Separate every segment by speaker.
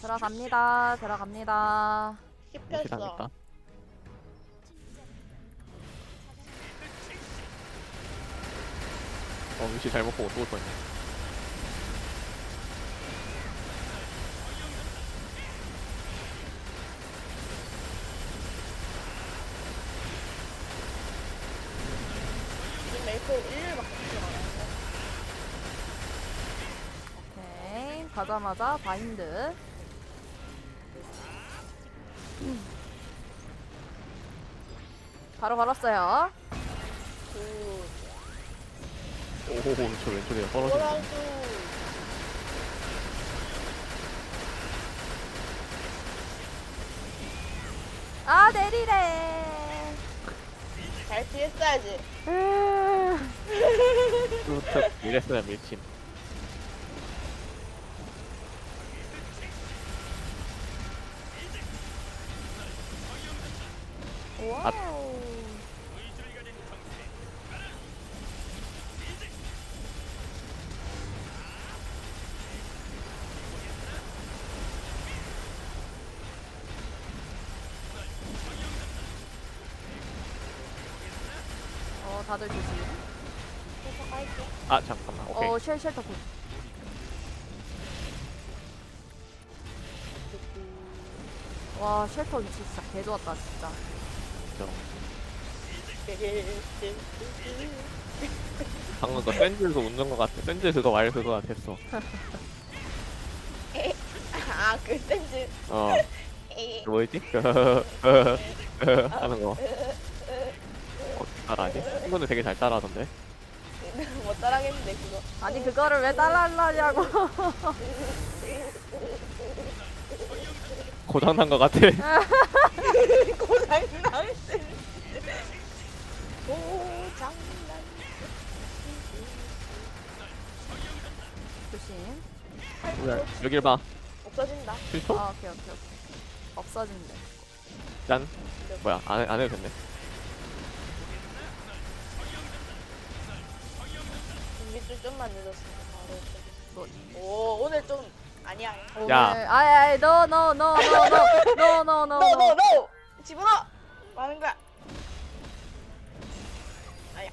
Speaker 1: 들어갑니다. 들어갑니다.
Speaker 2: 씹혔어.
Speaker 3: 무시당했다. 위치 잘못 보고 또 뻔했네.
Speaker 2: 지금 메이크 1일밖에 들어가요.
Speaker 1: 오케이. 가자마자 바인드. 바로 걸었어요.
Speaker 3: 오호호, 저 왼쪽에 떨어지네.
Speaker 2: 뭐라도
Speaker 1: 아, 내리래.
Speaker 2: 잘 피했어야지.
Speaker 3: 뚜특 이랬으면 밀침.
Speaker 1: 와우. 다들 조심.
Speaker 2: 계속 갈게.
Speaker 3: 아 잠깐만. 오케이.
Speaker 1: 쉘터 굿. 와, 쉘터 위치 진짜 개 좋았다, 진짜.
Speaker 3: 저 방금 그 샌즈에서 웃는 것 같아. 샌즈 그거 말 그거 같았어.
Speaker 2: 아, 그 센즈.
Speaker 3: 그 뭐였지? 하는 거. 따라하지? 친구는 되게 잘 따라하던데.
Speaker 2: 못 따라하겠는데 그거.
Speaker 1: 아니, 그거를 왜 따라하려냐고.
Speaker 3: 고장난 것 같아.
Speaker 2: 고장난. 고장난.
Speaker 1: 조심.
Speaker 3: 뭐야, 여길 봐.
Speaker 2: 없어진다.
Speaker 3: 실토?
Speaker 1: 오케이. 없어진대.
Speaker 3: 짠. 뭐야, 안 해도 됐네.
Speaker 2: 준비줄 좀만 늦었으면 바로
Speaker 1: 뭐.
Speaker 2: 없어졌어. 오, 오늘 좀 아니야.
Speaker 1: 오늘 아이 no.
Speaker 2: 노. 집어넣어. 뭐 하는 거야? 아야.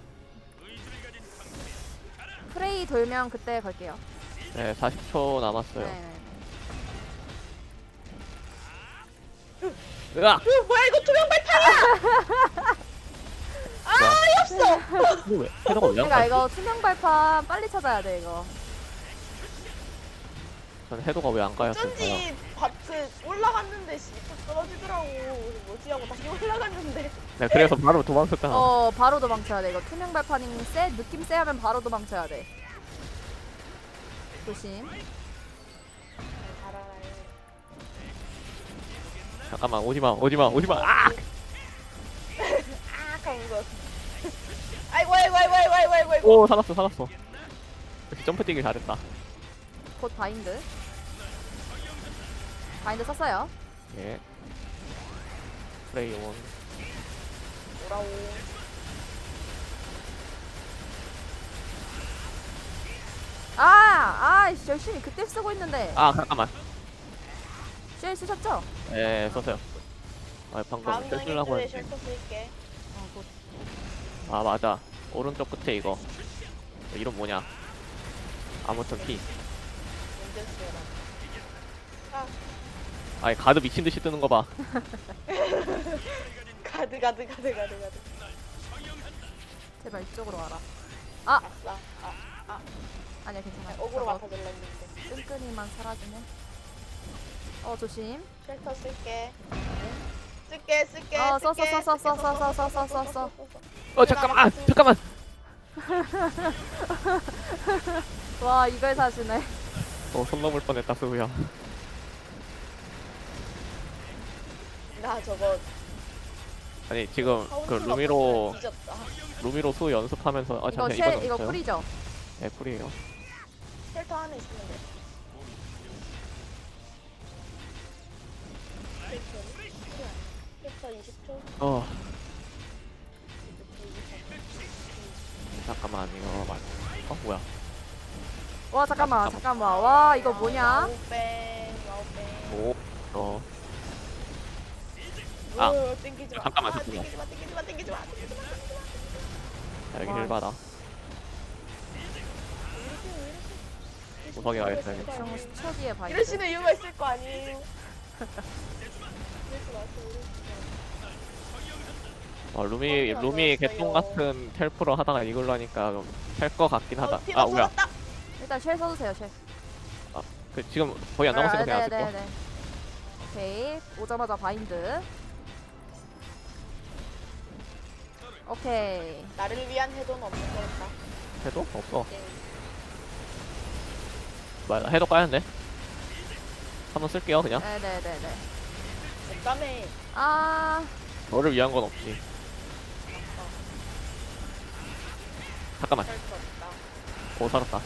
Speaker 1: 프레이 돌면 그때 걸게요.
Speaker 3: 네, 40초 남았어요.
Speaker 1: 네.
Speaker 3: 으악!
Speaker 2: 뭐야 이거 투명 발판이야? 아, 없어.
Speaker 3: 이거 왜? 헤더가 왜안
Speaker 1: 그러니까
Speaker 3: 가지?
Speaker 1: 이거 투명 발판 빨리 찾아야 돼 이거.
Speaker 3: 전 헤더가 왜 안 가였을까요?
Speaker 2: 어쩐지 밭에 올라갔는데 또 떨어지더라고. 그래서 뭐지 하고 다시 올라갔는데.
Speaker 3: 네, 그래서 바로 도망쳤잖아.
Speaker 1: 바로 도망쳐야 돼 이거. 투명 발판이 느낌 세하면 바로 도망쳐야 돼. 조심.
Speaker 3: 잠깐만, 오지마. 아!
Speaker 2: 아, 그런 거. 아이고.
Speaker 3: 오, 살았어. 역시 점프 뛰기 잘했다.
Speaker 1: 곧 바인드. 바인드 썼어요.
Speaker 3: 예. 플레이 온.
Speaker 2: 뭐라고.
Speaker 1: 열심히 그때 쓰고 있는데.
Speaker 3: 아, 잠깐만.
Speaker 1: 쉘 쓰셨죠?
Speaker 3: 예, 썼어요. 아, 방금
Speaker 2: 다음
Speaker 3: 껴주려고
Speaker 2: 경기에
Speaker 3: 했는데.
Speaker 2: 쉘터 쓸게.
Speaker 1: 곧.
Speaker 3: 아, 맞아. 오른쪽 끝에 이거. 이름 뭐냐? 아무튼 P.
Speaker 2: 문제 쓰라.
Speaker 3: 아이, 가드 미친 듯이 뜨는 거 봐.
Speaker 2: 가드.
Speaker 1: 제발 이쪽으로 와라.
Speaker 2: 아싸.
Speaker 1: 아니야 괜찮아.
Speaker 2: 어그로
Speaker 1: 저거
Speaker 2: 맡아줄라 했는데.
Speaker 1: 끈끈이만 사라지네. 조심.
Speaker 2: 쉘터 쓸게. 쓸게.
Speaker 1: 써.
Speaker 3: 잠깐만.
Speaker 1: 와 이걸 사시네.
Speaker 3: 손 넘을 뻔했다, 수우야.
Speaker 2: 나 저거
Speaker 3: 아니, 지금 그 루미로 수 연습하면서
Speaker 1: 이거
Speaker 3: 잠시만 이거
Speaker 1: 이거
Speaker 3: 넣었어요?
Speaker 1: 쿨이죠?
Speaker 3: 네, 쿨이에요.
Speaker 2: 쉘터 안에 있으면 돼. 쉘터 20초.
Speaker 3: 잠깐만, 이거 맞. 뭐야?
Speaker 1: 와 잠깐만. 와 이거 뭐냐?
Speaker 2: 와우뱅.
Speaker 3: 있어. 아,
Speaker 2: 땡기지 마.
Speaker 3: 잠깐만,
Speaker 2: 아,
Speaker 3: 잠깐만.
Speaker 2: 땡기지 마, 땡기지 마, 땡기지 마, 땡기지 마.
Speaker 3: 자, 여기
Speaker 1: 와.
Speaker 3: 힐 받아. 구석에 가겠다, 여기.
Speaker 1: 그럼 10초 뒤에 바인드.
Speaker 2: 이러시는 이유가 있을 거 아니에요. 이러지 마세요,
Speaker 3: 루미 개똥 같은 텔프로 하다가 이걸로 하니까 될 거 같긴 하다.
Speaker 2: 피가
Speaker 3: 아, 뭐야.
Speaker 2: 쏟았다.
Speaker 1: 일단 쉘 써주세요, 쉘.
Speaker 3: 그 지금 거의 안 남았으니까 그냥 안 쓸게요.
Speaker 1: 네네네. 오케이. 오자마자 바인드. 오케이.
Speaker 2: 나를 위한 해도는 없는 거였다.
Speaker 3: 해도? 없어.
Speaker 2: 네.
Speaker 3: 뭐야, 나 해도 까야는데? 한번 쓸게요, 그냥.
Speaker 1: 네네네네.
Speaker 2: 없다며.
Speaker 1: 아,
Speaker 3: 너를 위한 건 없지. 잠깐만.
Speaker 2: 할수 없다.
Speaker 3: 오, 살았다.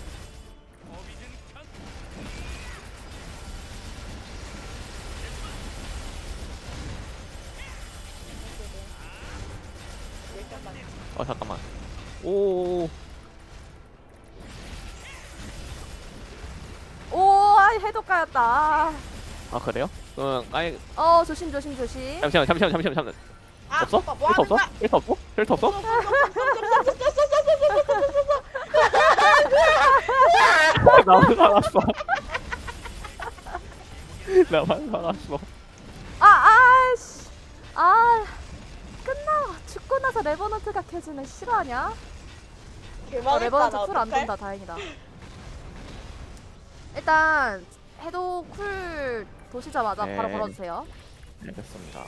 Speaker 2: 일단만.
Speaker 3: 잠깐만. 오,
Speaker 1: 오, 아, 해도 까였다.
Speaker 3: 아, 그래요? 그럼, 아니,
Speaker 1: 조심.
Speaker 3: 잠시만.
Speaker 2: 아,
Speaker 3: 없어?
Speaker 2: 오빠 뭐
Speaker 3: 필터
Speaker 2: 하는
Speaker 3: 없어?
Speaker 2: 거야?
Speaker 3: 필터 없어? 필터 없어? 나만 살았어. 나만 살았어.
Speaker 1: 아씨. 아, 죽고 나서 레버넌트가 켜지네. 실화냐?
Speaker 2: 개망했다.
Speaker 1: 레버넌트
Speaker 2: 나
Speaker 1: 쿨 안
Speaker 2: 어떡해?
Speaker 1: 돈다. 다행이다. 일단 해도 쿨 도시자마자
Speaker 3: 네.
Speaker 1: 바로 걸어주세요.
Speaker 3: 알겠습니다.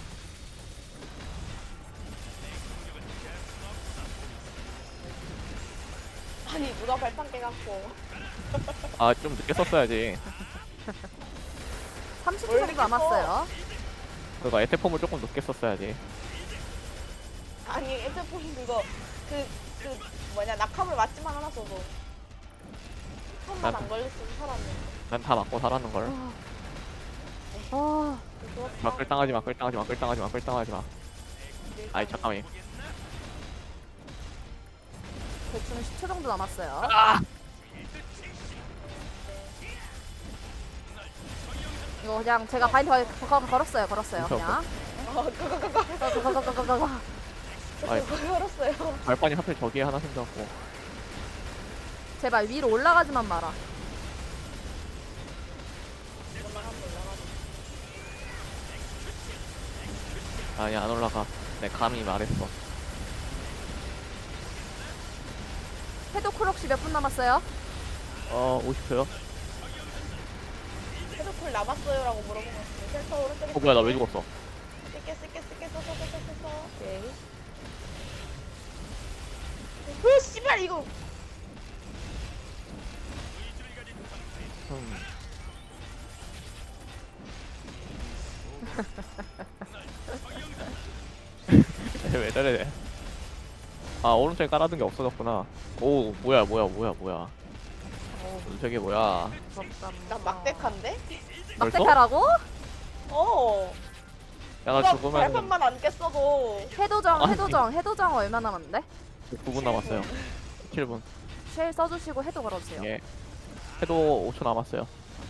Speaker 2: 아니 누가 발판 깨갖고
Speaker 3: 아, 좀 늦게 썼어야지.
Speaker 1: 30초
Speaker 2: 원래
Speaker 1: 정도 남았어요.
Speaker 3: 그거 에테폼을 조금 늦게 썼어야지.
Speaker 2: 아니 핸드폰 그거 그 뭐냐 낙하물 맞지만 않았어도 손만 안 걸렸으면 살았네.
Speaker 3: 난 다 맞고 살았는 걸.
Speaker 1: 아,
Speaker 3: 막글 당하지 마. 아이, 잠깐만.
Speaker 1: 대충 10초 정도 남았어요. 이거 그냥 제가 바인드 걸었어요. 그냥. 거거거거거거.
Speaker 3: 아이,
Speaker 2: 걸었어요.
Speaker 3: 발판이 하필 저기에 하나 생겼고.
Speaker 1: 제발 위로 올라가지만 마라.
Speaker 3: 아니, 안 올라가. 내 감이 말했어.
Speaker 1: 해도 쿨 혹시 몇 분 남았어요?
Speaker 3: 50초요?
Speaker 2: 헤드콜 남았어요라고 물어본 것 같은데 셀터 오른쪽에
Speaker 3: 뭐야, 나 왜 죽었어?
Speaker 2: 쓸게 써.
Speaker 1: 오케이.
Speaker 2: 으 씨발 이거
Speaker 3: 왜 저래? 아, 오른쪽에 깔아둔 게 없어졌구나. 오, 뭐야. 저게 뭐야?
Speaker 2: 난 막대칸데?
Speaker 1: 막대카라고?
Speaker 2: 어.
Speaker 3: 야, 나
Speaker 2: 누가
Speaker 3: 죽으면
Speaker 2: 발판만 안 깼어도
Speaker 1: 해도정 얼마 남았는데?
Speaker 3: 9분 남았어요. 7분.
Speaker 1: 쉘 써주시고 해도 걸어주세요.
Speaker 3: 예. 해도 5초 남았어요.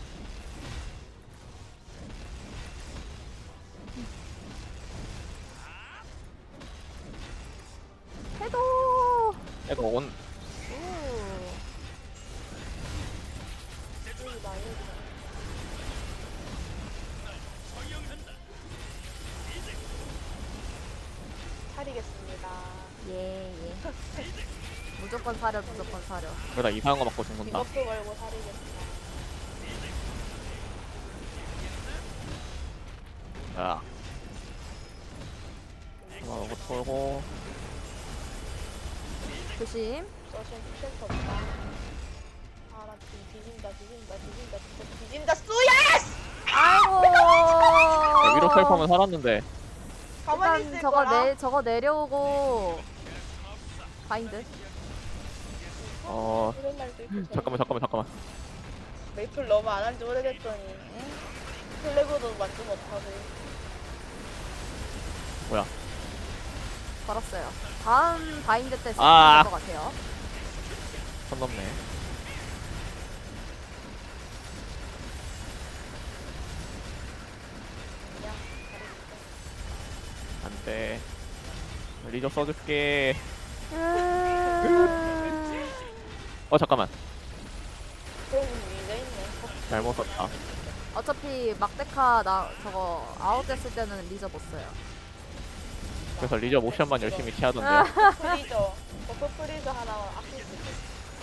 Speaker 1: 해도.
Speaker 3: 해도 온.
Speaker 2: 차리겠습니다.
Speaker 1: 예. 무조건 사려.
Speaker 3: 그러다 이상한 거 맞고 죽는다.
Speaker 2: 이것도 걸고 차리겠습니다.
Speaker 3: 야. 이거 털고.
Speaker 1: 조심.
Speaker 2: 서션 셀터 없다. 아나 뒤진다 쏘야스!
Speaker 1: 아이고.
Speaker 3: 야, 위로 텔퍼면 살았는데.
Speaker 2: 가만히
Speaker 1: 일단
Speaker 2: 있을 거라.
Speaker 1: 저거 내려오고 바인드.
Speaker 3: 어.
Speaker 2: 이런 날도 있고.
Speaker 3: 잠깐만.
Speaker 2: 메이플 너무 안 한 지 오래됐더니 플래그도 만족 못하고.
Speaker 3: 뭐야?
Speaker 1: 걸었어요. 다음 바인드 때
Speaker 3: 아.
Speaker 1: 쓸 것 같아요.
Speaker 3: 선 넘네. 네. 리저 써줄게. 잠깐만.
Speaker 2: 그럼 이제 있네.
Speaker 3: 잘못 썼다.
Speaker 1: 어차피 막데카 나 저거 아웃됐을 때는 리저 못 써요.
Speaker 3: 그래서 리저 모션만 열심히 취하던데요.
Speaker 2: 프리저. 버프 프리저 하나 아낄 수 있어.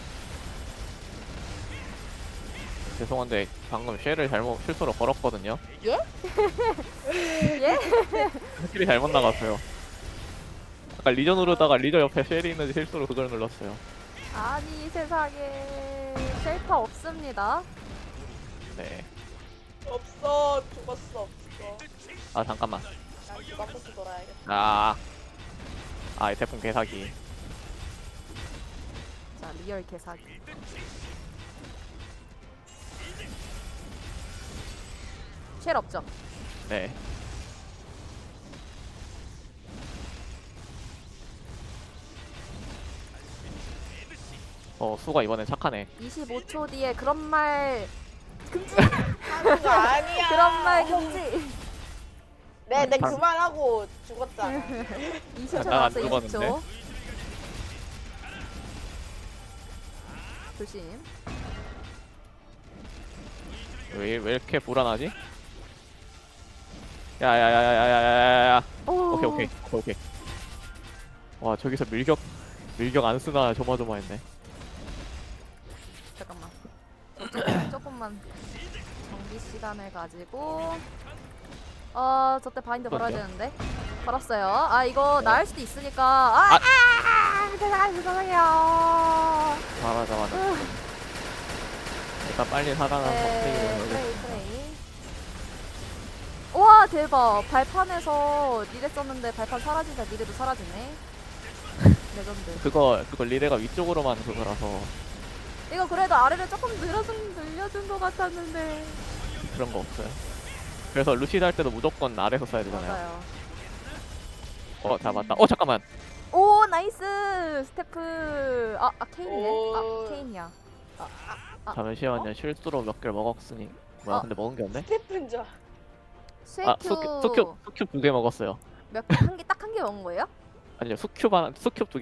Speaker 3: 죄송한데 방금 쉘을 잘못 실수로 걸었거든요.
Speaker 1: 예? 예?
Speaker 3: 스킬이 잘못 나갔어요. 아까 리저 누르다가 리저 옆에 쉘이 있는데 실수로 그걸 눌렀어요.
Speaker 1: 아니 세상에 쉘터 없습니다.
Speaker 3: 네.
Speaker 2: 없어. 죽었어. 없어.
Speaker 3: 아 잠깐만.
Speaker 2: 난 주바코스 돌아야겠다.
Speaker 3: 이 태풍 개사기.
Speaker 1: 자 리얼 개사기. 쉘 없죠?
Speaker 3: 네. 수가 이번엔 착하네.
Speaker 1: 25초 뒤에 그런 말 금지.
Speaker 2: 하는 거 아니야.
Speaker 1: 그런 말 금지.
Speaker 2: 내
Speaker 3: 방-
Speaker 2: 그만하고 죽었잖아.
Speaker 1: 20초
Speaker 3: 난안
Speaker 1: 남았어.
Speaker 3: 죽었는데?
Speaker 1: 20초. 조심.
Speaker 3: 왜 이렇게 불안하지? 야야야야야야야야.
Speaker 1: 오.
Speaker 3: 오케이. 와 저기서 밀격 안 쓰나 조마조마했네.
Speaker 1: 잠깐만. 조금만 정비 시간을 가지고 저때 바인드 걸어야
Speaker 3: 그러게요.
Speaker 1: 되는데 걸었어요. 아 이거 나을 수도 있으니까 죄송해요.
Speaker 3: 맞아. 일단 빨리 살아나는
Speaker 1: 네,
Speaker 3: 법
Speaker 1: 프레이. 와 대박. 발판에서 니레 썼는데 발판 사라지자 니레도 사라지네. 레전드.
Speaker 3: 그거 리레가 위쪽으로만 그거라서
Speaker 1: 이거 그래도 아래를 조금 늘려준 것 같았는데.
Speaker 3: 그런 거 없어요. 그래서 루시드 할 때도 무조건 아래서 써야 되잖아요.
Speaker 1: 맞아요.
Speaker 3: 잡았다. 잠깐만.
Speaker 1: 오 나이스 스태프. 케인이네.
Speaker 2: 오.
Speaker 1: 케인이야.
Speaker 3: 잠시만요. 실수로 몇 개를 먹었으니. 뭐야?
Speaker 1: 어?
Speaker 3: 근데 먹은 게 없네.
Speaker 2: 스태프인 줄.
Speaker 1: 스웨큐
Speaker 3: 수큐 2개 먹었어요.
Speaker 1: 몇 개 한 개 딱 한 개 먹은 거예요?
Speaker 3: 아니요. 수큐 두